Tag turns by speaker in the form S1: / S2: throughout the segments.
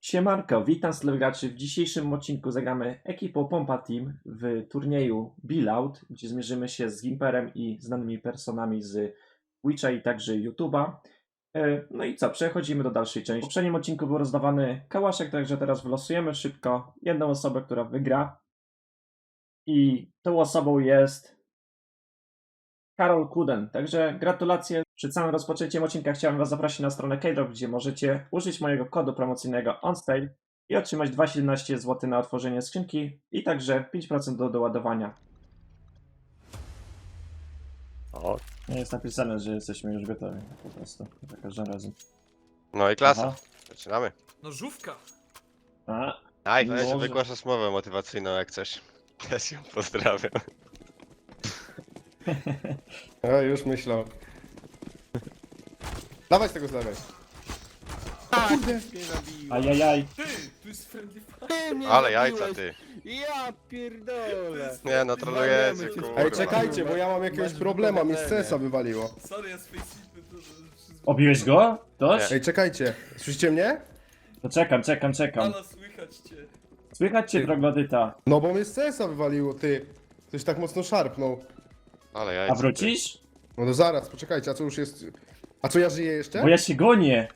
S1: Siemanko, witam graczy. W dzisiejszym odcinku zagramy ekipą Pompa Team w turnieju Billout, gdzie zmierzymy się z Gimperem i znanymi personami z Twitcha i także YouTube'a. No i co, przechodzimy do dalszej części. W poprzednim odcinku był rozdawany kałaszek, także teraz wylosujemy szybko jedną osobę, która wygra. I tą osobą jest Karol Kuden. Także gratulacje. Przed samym rozpoczęciem odcinka chciałem Was zaprosić na stronę Keydrop, gdzie możecie użyć mojego kodu promocyjnego ONSTAY i otrzymać 2,17 zł na otworzenie skrzynki i także 5% do doładowania.
S2: O,
S1: Nie jest napisane, że jesteśmy już gotowi, po prostu, za każdym razem.
S2: no i klasa.
S1: Aha.
S2: Zaczynamy.
S3: Nożówka!
S1: A,
S2: Aj,
S1: Może.
S2: weź wygłaszasz mowę motywacyjną jak coś. Ja się pozdrawiam.
S4: A już myślał. Dawaj z tego z lewej.
S5: Kurde!
S1: ajajaj.
S3: Ty! Tu jest friendly fire!
S5: Ty mnie
S2: Ale
S5: zabiłeś.
S2: jajca ty.
S5: Ja pierdolę!
S2: Nie no, trolujecie
S5: Zajmiemy cię.
S2: kurwa.
S4: Ej, czekajcie, bo ja mam jakiegoś
S5: Masz
S4: problema, mi z
S5: wypowiedzenie.
S4: CS-a wywaliło.
S3: Sorry, ja z face'ipy to przyzwyczaiłem.
S1: Obiłeś go? Toż?
S4: Ej, czekajcie, słyszycie mnie?
S1: To czekam.
S3: Ale słychać cię.
S1: Słychać cię, troglodyta.
S4: No bo mnie z CS-a wywaliło, ty. Coś tak mocno szarpnął.
S2: Ale jajca
S1: A wrócisz?
S4: No to zaraz, poczekajcie, a co już jest... A co, ja żyję jeszcze?
S1: Bo ja się gonię.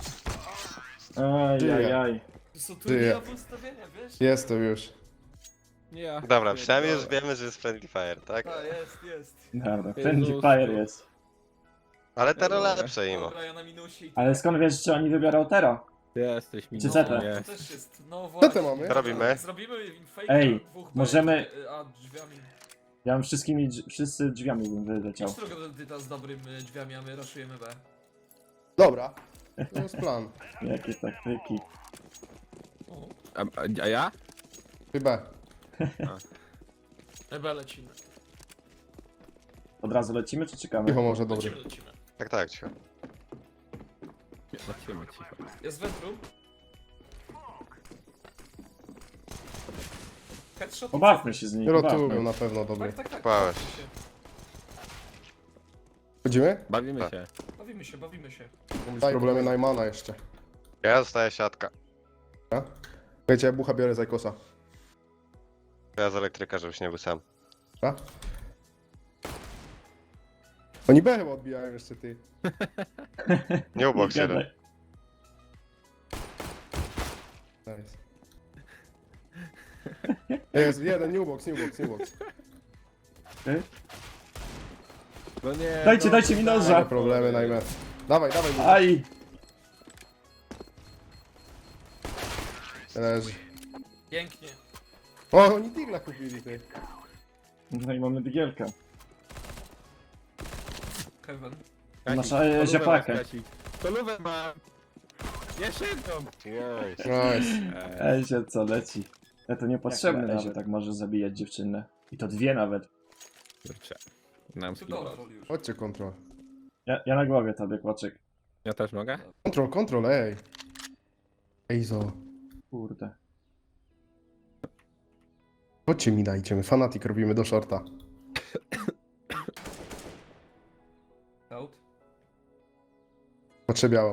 S1: Ajajaj.
S3: To są
S4: Ty.
S3: turniejowe ustawienia, wiesz?
S4: Jestem już.
S5: Ja
S2: ty. Dobra, przynajmniej już
S5: pierdolę.
S2: wiemy, że jest friendly fire, tak?
S3: A, jest.
S1: Dobra, friendly fire jest.
S2: Ale te role lepsze imo.
S3: Dobra, ja na minusie i
S1: Ale skąd wiesz, czy oni wybiorą Tero?
S5: Ty jesteś mi.
S1: Czy
S3: no,
S1: Zeta?
S3: to też jest, no
S4: Co
S3: właśnie.
S4: to mamy?
S2: Co robimy?
S3: Zrobimy fake
S1: Ej,
S3: dwóch
S1: możemy-
S3: a drzwiami.
S1: Ja bym wszyscy drzwiami bym wyleciał.
S3: Idź trochę z dobrymi drzwiami, a my raszujemy B.
S4: Dobra. To jest plan.
S1: Jakie taktyki.
S3: O,
S5: A ja?
S4: Chyba.
S3: B lecimy.
S1: Od razu lecimy, czy czekamy?
S4: Cicho może, dobry.
S3: Lecimy.
S2: Tak, cicho.
S5: Lecimy cicho.
S3: Jest wentru. Headshot.
S1: Pobawmy się z nimi,
S4: Rotują
S1: pobawmy.
S4: na pewno, dobry.
S3: Tak.
S2: Bałeś.
S4: Chodzimy?
S5: Bawimy
S2: Tak.
S5: się.
S3: Bawimy się.
S4: Daj problemy Najmana jeszcze.
S2: Ja zostaję siatka.
S4: Wiecie, ja bucha biorę Zajkosa.
S2: Ja z elektryka, żebyś nie był sam.
S4: A? Oni B chyba odbijają jeszcze, ty.
S2: Nie ubok się.
S1: Gadaj.
S4: Nice. Jest, jeden, new box.
S1: Ty?
S5: No nie.
S1: Dajcie mi noża.
S4: Żadne problemy, Najman. Dawaj, mu.
S1: Aj!
S4: Leży.
S3: Pięknie.
S4: O, oni Digla kupili, ty.
S1: No i mamy digielkę.
S3: Heaven.
S1: Masz ziapakę.
S5: Kolówę mam. Jeszcze jedną.
S4: Nice.
S1: Ej, się co leci. Ja to niepotrzebny
S4: Jak na
S1: nawet, tak może zabijać dziewczynę. I to dwie nawet.
S5: Kurczę. Nam
S3: Tu
S5: skill.
S3: kontrol już.
S4: Chodźcie, kontrol.
S1: Ja na głowie tobie, kłaczek.
S5: Ja też mogę?
S4: Kontrol, ej. Ejzo.
S1: Kurde.
S4: Chodźcie mi dajcie, my fanatik robimy do shorta.
S3: Out.
S4: Patrzę białą.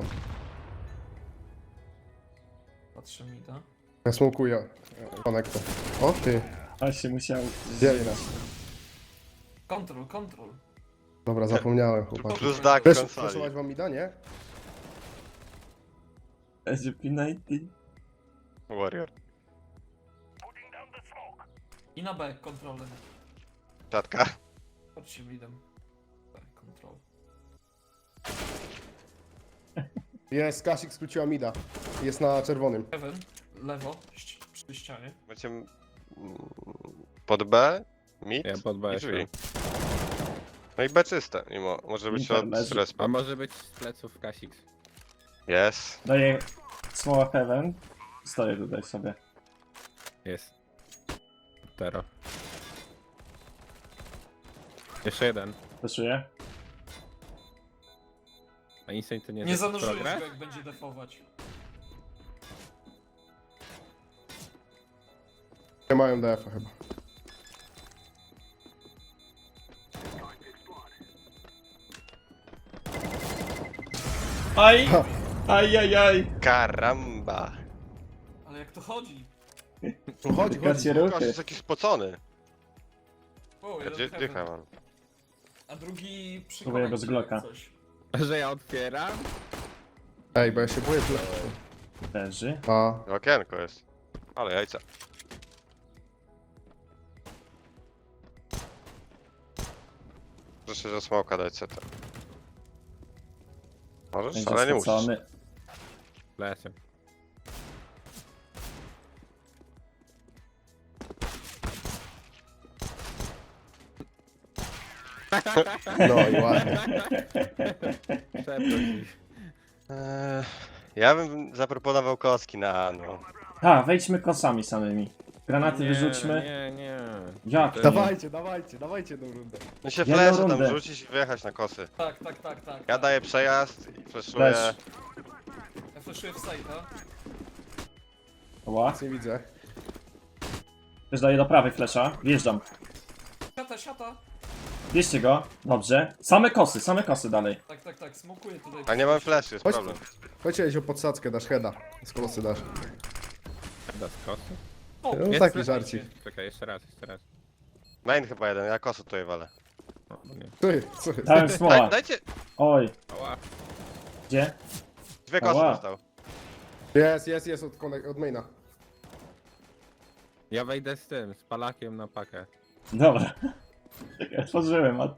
S3: Patrzę mi to.
S4: Ja smokuję. Konektor. O, ty.
S1: A się musiał...
S4: Biegnę.
S3: Kontrol.
S4: Dobra, zapomniałem, chłopaki.
S2: Plus dak w
S4: Też
S2: konsoli.
S4: flashować wam mi da, nie?
S1: SGP-90.
S2: Warrior.
S3: I na B kontrolem.
S2: Siatka.
S3: Chodźcie midem. B kontrol.
S4: Jest, Kasik skróciła mida. Jest na czerwonym.
S3: Heaven. Lewo. Przy ścianie.
S2: Macie pod B, mid
S5: Ja pod B
S2: i drzwi.
S5: jeszcze.
S2: No i B czyste, mimo. Może być od
S1: Leży.
S2: respa.
S5: A może być z pleców Kasix.
S2: Jest.
S1: Daję smoła heaven. Stoję tutaj sobie.
S5: Jest. Tero. Jeszcze jeden.
S1: Wyszuję.
S5: A Insane to nie
S3: Nie
S5: jest
S3: zanurzyłeś
S5: progres?
S3: go jak będzie defować.
S4: Nie mają DF-a chyba.
S1: Aj! Ajajaj!
S2: Karamba.
S3: Ale jak to chodzi?
S4: No chodzi,
S1: Gacie
S4: chodzi.
S2: Gość
S1: ruchy.
S2: jest jakiś spocony.
S3: O,
S2: Ja
S3: jeden
S2: Gdzie
S3: heaven.
S2: mam?
S3: A drugi przy
S1: Próbuję bez
S3: konekcie
S1: Glocka.
S3: coś.
S5: Że ja otwieram?
S4: Ej, bo ja się boję
S1: Leży.
S4: A,
S2: Okienko jest. Ale jajca. Proszę, że smoka dać CT. Możesz?
S1: Będzie
S2: Ale nie musisz.
S1: spocony.
S5: Lecę.
S4: no i ładnie.
S5: Przepraszam.
S2: Ja bym zaproponował kostki na no.
S1: A, wejdźmy kosami samymi. Granaty
S5: Nie,
S1: wyrzućmy.
S5: Nie.
S1: Jak to?
S4: Dawajcie tą rundę.
S2: No się
S1: Jedną
S2: flesze tam
S1: rundę.
S2: rzucić i wyjechać na kosy.
S3: Tak.
S2: Ja
S3: tak.
S2: daję przejazd i fleszuję.
S1: Flash.
S3: Ja flashuję w side'a.
S1: Ła.
S4: Nic nie widzę.
S1: Też daję do prawej flesza. Wjeżdżam.
S3: Siata.
S1: Bierzcie go. Dobrze. Same kosy dalej.
S3: Tak. Smokuję tutaj.
S2: A nie mam fleszy, jest
S4: Chodź.
S2: problem.
S4: Chodźcie o podsadzkę, dasz heada. Z kosy dasz.
S5: Da z kosy?
S3: O,
S4: No
S5: Jest
S4: taki
S5: flash.
S4: żarcik.
S5: Czekaj, jeszcze raz.
S2: Main chyba jeden, ja kosę tutaj walę.
S5: O, no nie.
S4: Co jest?
S1: Dałem smoła.
S2: Dajcie!
S1: Oj.
S5: Ała.
S1: Gdzie?
S2: Dwie kosy
S1: Ała.
S2: dostał.
S4: Jest od maina.
S5: Ja wejdę z tym, z palakiem na pakę.
S1: Dobra. Czekaj, otworzyłem, a...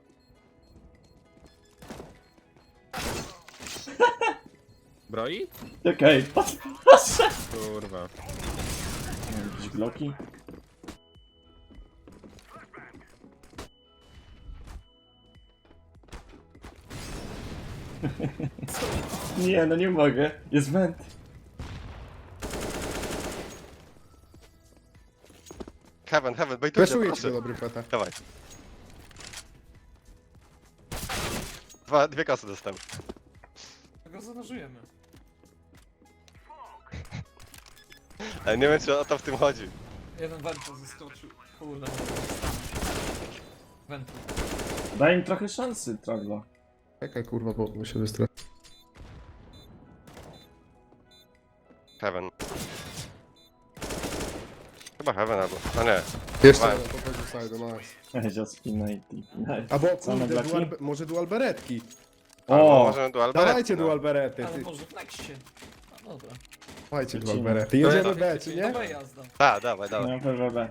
S5: Broi?
S1: Czekaj, patrz.
S5: Kurwa.
S1: Jakieś bloki. Nie, no nie mogę. Jest węd.
S2: Heaven, bejtujcie,
S4: Fleszuję ci
S2: proszę.
S4: do dobry peta.
S2: Dawaj. Dwie kosy dostałem.
S3: Tego zanurzyjemy.
S2: Ale nie wiem, czy o to w tym chodzi.
S3: Jeden wento zeskoczył. Kurde, Wentu.
S1: Daj im trochę szansy, Troglo.
S4: Czekaj kurwa, bo się wystraszę.
S2: Heaven. Chyba Heaven albo... A nie.
S4: Jeszcze
S2: Dawaj.
S4: jeden pochodzi w side, nice.
S1: Powiedział spina i nice.
S4: Albo
S1: Same
S4: kurde,
S1: blaki?
S4: może dual beretki.
S2: Albo
S1: O!
S2: możemy dual beret,
S4: Dawajcie
S2: no.
S4: dual berety.
S3: Ale
S4: Ty.
S3: może w nexcie. A dobra.
S4: Dawajcie dual
S1: Lecimy.
S4: berety. Jedziemy B, czy nie?
S3: Dobra jazda.
S2: Tak, dawaj.
S1: No, PWB.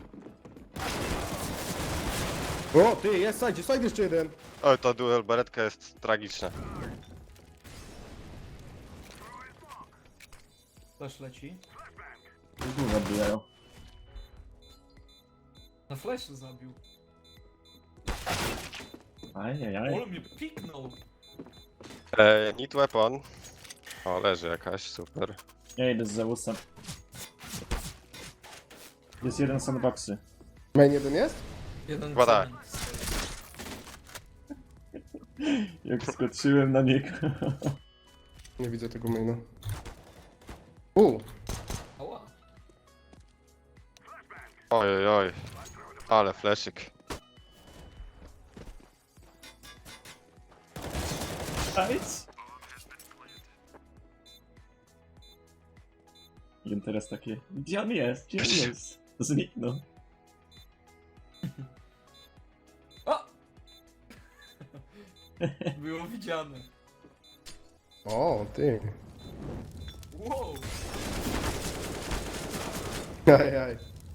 S4: O, ty, jest side jeszcze jeden.
S2: Oj, to dual beretka jest tragiczna.
S3: Flash leci.
S1: Dużo bijają.
S3: Na flashu zabił.
S1: Ajajaj.
S3: Ole mnie piknął.
S2: Need weapon. O, leży jakaś, super.
S1: Ja idę z Zeusem. Jest jeden sandboxy.
S4: Main jeden jest?
S3: Jeden
S2: Chyba tak.
S3: cement stoi.
S1: Jak skoczyłem na niego.
S4: Nie widzę tego maina.
S3: Ała.
S2: Oj. Ale fleszyk.
S1: Nice. I teraz takie, gdzie on jest? Gdzie on jest? Zniknął.
S3: O! Było widziane.
S4: O, ty.
S3: Wow.
S4: Ajaj.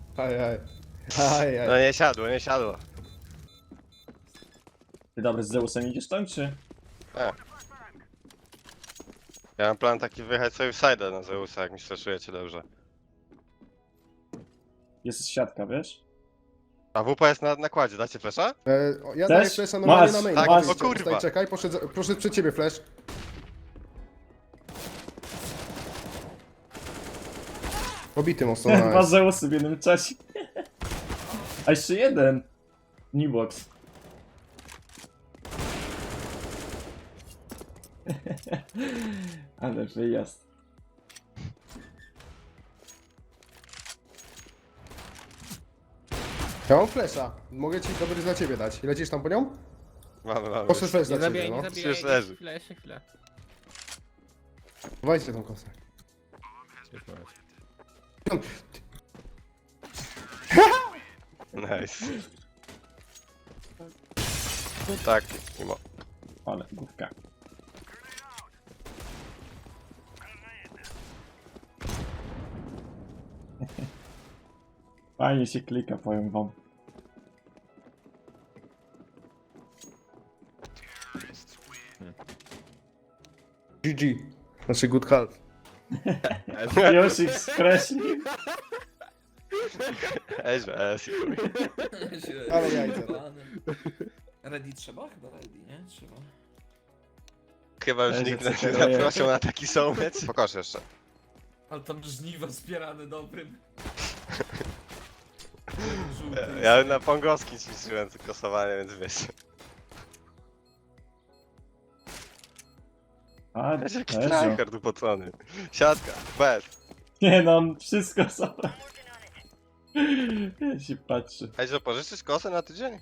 S2: No nie siadło.
S1: Ty dobry, z Zeusem idziesz tam, czy?
S2: Ja mam plan taki wyjechać sobie w side'a na Zeusa, jak mi straszujecie dobrze.
S1: Jest siatka, wiesz?
S2: A WP jest na nakładzie, dacie flesza?
S4: Ja
S1: Chcesz?
S4: daję flasha normalnie
S1: Masz,
S4: na main.
S2: tak,
S4: Chodź,
S2: o kurwa.
S4: Staj, czekaj, proszę przed ciebie flash. Pobity mocno,
S1: Dwa
S4: nice.
S1: Zeusy w jednym czasie. A jeszcze jeden. Nibox. Ale wyjazd.
S4: Ja mam flasha. Mogę ci dobry dla ciebie dać. Lecisz tam po nią?
S2: Mamy.
S4: Poszedł flash
S5: Nie
S4: dla ciebie,
S5: zabijaj,
S4: no.
S5: nie zabijaj.
S2: Już leży.
S5: Chwilę.
S4: Dawajcie tą kosę.
S5: Już masz.
S2: Nice. Tak, mimo.
S1: Ale główka. Fajnie się klika, powiem wam.
S4: GG. Znaczy good health.
S1: Już ich skreślił.
S4: Ale jajca.
S3: Ready trzeba? Chyba ready, nie? Trzeba.
S2: Chyba już
S1: Ej,
S2: nikt
S1: że
S2: nie
S1: cytuję.
S2: zaprosił na taki sołmiec. Pokaż jeszcze.
S3: Ale tam żniwa zbierane dobrym. Żółty.
S2: Ja na pongowskim ćwiczyłem to krosowanie, więc wiesz.
S1: A,
S2: Wiesz, jaki
S1: Jezu.
S2: tryhard upocony. Siatka, bez.
S1: Nie no, on wszystko sobie. Ja się patrzę.
S2: Ej, że pożyczysz kosę na tydzień?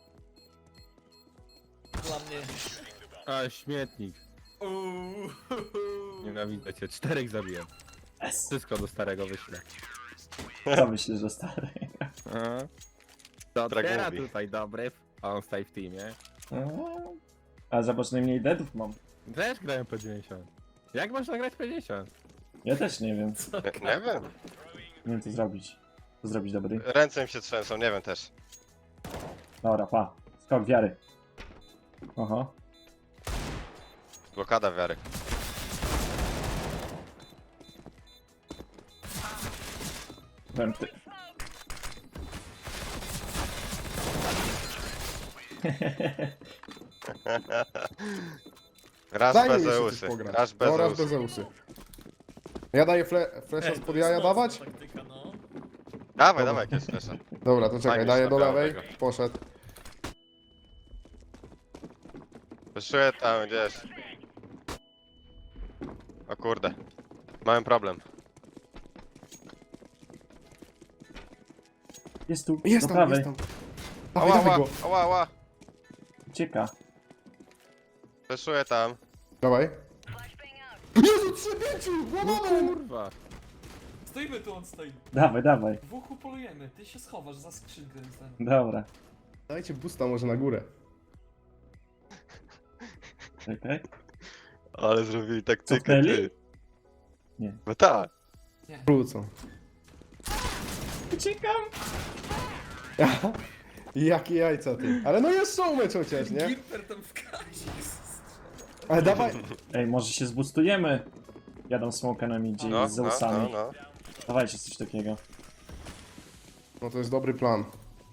S3: Dla mnie.
S5: A, śmietnik.
S3: Uuu.
S5: Nienawidzę cię. 4 zabiłem.
S1: Yes.
S5: Wszystko do starego wyślę.
S1: Co myślisz, że stary?
S5: A? To
S2: Tak
S5: teraz
S2: mówi.
S5: tutaj dobry. On stoi w teamie.
S1: A zobacz, najmniej deadów mam.
S5: Też grają po 90. Jak można grać po 90?
S1: Ja też nie wiem.
S2: Nie wiem.
S1: Nie wiem co zrobić. Co zrobić dobry?
S2: Ręce mi się trzęsą, nie wiem też.
S1: Dobra, pa. Skok wiary. Oho.
S2: Blokada wiary.
S1: Wenty.
S2: Raz
S4: Daj mi
S2: bez
S4: jeszcze
S2: Zeusy.
S4: coś pograć.
S2: Raz bez
S4: No, raz
S2: Zeusy.
S4: bez Zeusy. Ja daję flesza
S3: Ej,
S4: spod
S3: to
S4: jaja
S3: jest mocna
S4: dawać?
S3: taktyka, no.
S2: Dawaj, dawaj jakieś flesza.
S4: Dobra, to czekaj,
S2: Fajnie
S4: daję
S2: się
S4: do
S2: nabrało
S4: lewej.
S2: tego.
S4: Poszedł.
S2: Wyszuję tam gdzieś. O kurde. Mamy problem.
S1: Jest tu,
S4: Jest
S1: do
S4: tam,
S1: prawej.
S4: jest tam. Dawaj,
S2: Ała,
S4: dawaj
S2: ała,
S4: go.
S2: ała, ała.
S1: Ucieka.
S2: Wyszuję tam.
S4: Dawaj. Jezu, 3-5!
S5: No
S4: Łamamy!
S5: kurwa.
S3: Stoimy tu, on stoi.
S1: Dawaj, dawaj.
S3: Dwóch upolujemy, ty się schowasz za skrzynkę.
S1: Dobra.
S4: Dajcie boosta może na górę.
S1: Czekaj.
S2: Ale zrobili taktykę,
S1: Cofnęli?
S2: ty.
S1: Nie.
S2: No tak.
S4: Wrócą.
S1: Uciekam.
S4: Jakie jajca ty. Ale no jest showmecz chociaż, nie?
S3: Gimper tam w kazie.
S4: Ale dawaj.
S1: Ej, może się zbustujemy. Jadą smoka na midzie
S2: No,
S1: z Zeusami.
S2: no.
S1: Dawajcie coś takiego.
S4: No to jest dobry plan.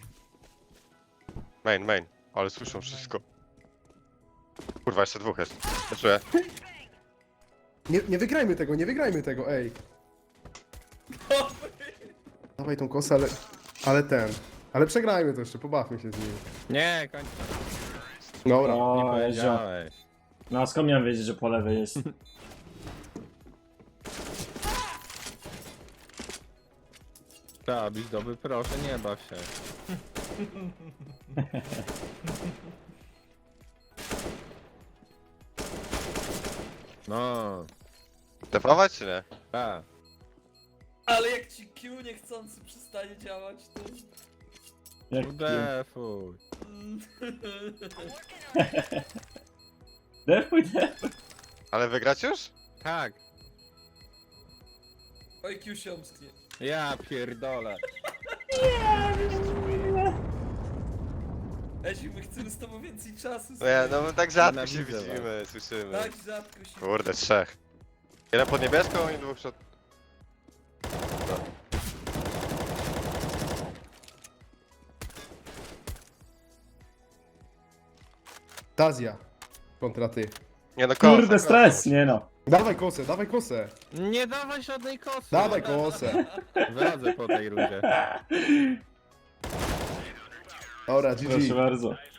S2: Main. Ale słyszą wszystko. Kurwa, jeszcze dwóch jest. Wyszuję.
S4: Nie wygrajmy tego, nie wygrajmy tego, ej. Dawaj tą kosę, ale ten. Ale przegrajmy to jeszcze, pobawmy się z nim.
S5: Nie, kończę.
S4: Dobra.
S5: Nie
S1: O, Ezio.
S5: powiedziałeś.
S1: No a skąd miałem wiedzieć, że po lewej jest?
S5: Trzeba być dobry, proszę, nie baw się. No,
S2: Defować czy nie?
S5: tak.
S3: Ale jak ci Q niechcący przestanie działać, to...
S1: Jak
S5: Udefuj.
S1: Defuj, defuj.
S2: Ale wygrać już?
S5: Tak.
S3: Oj, Q się omsknie.
S5: Ja pierdolę.
S3: Eziu, my chcemy z tobą więcej czasu.
S2: No ja, no my tak rzadko się
S5: Nienawidzę was.
S2: widzimy, słyszymy.
S3: Tak rzadko się...
S2: Kurde, trzech. Jeden pod niebieską i dwóch przed...
S4: Tazja. Kontra ty.
S2: Nie no, kosa,
S1: Kurde, stres, nie no.
S4: Dawaj kosę, dawaj kosę.
S5: Nie dawaj żadnej kosy.
S4: Dawaj kosę.
S5: Wychodzę po tej rundzie.
S4: Dobra,
S1: Proszę
S4: GG.
S1: bardzo.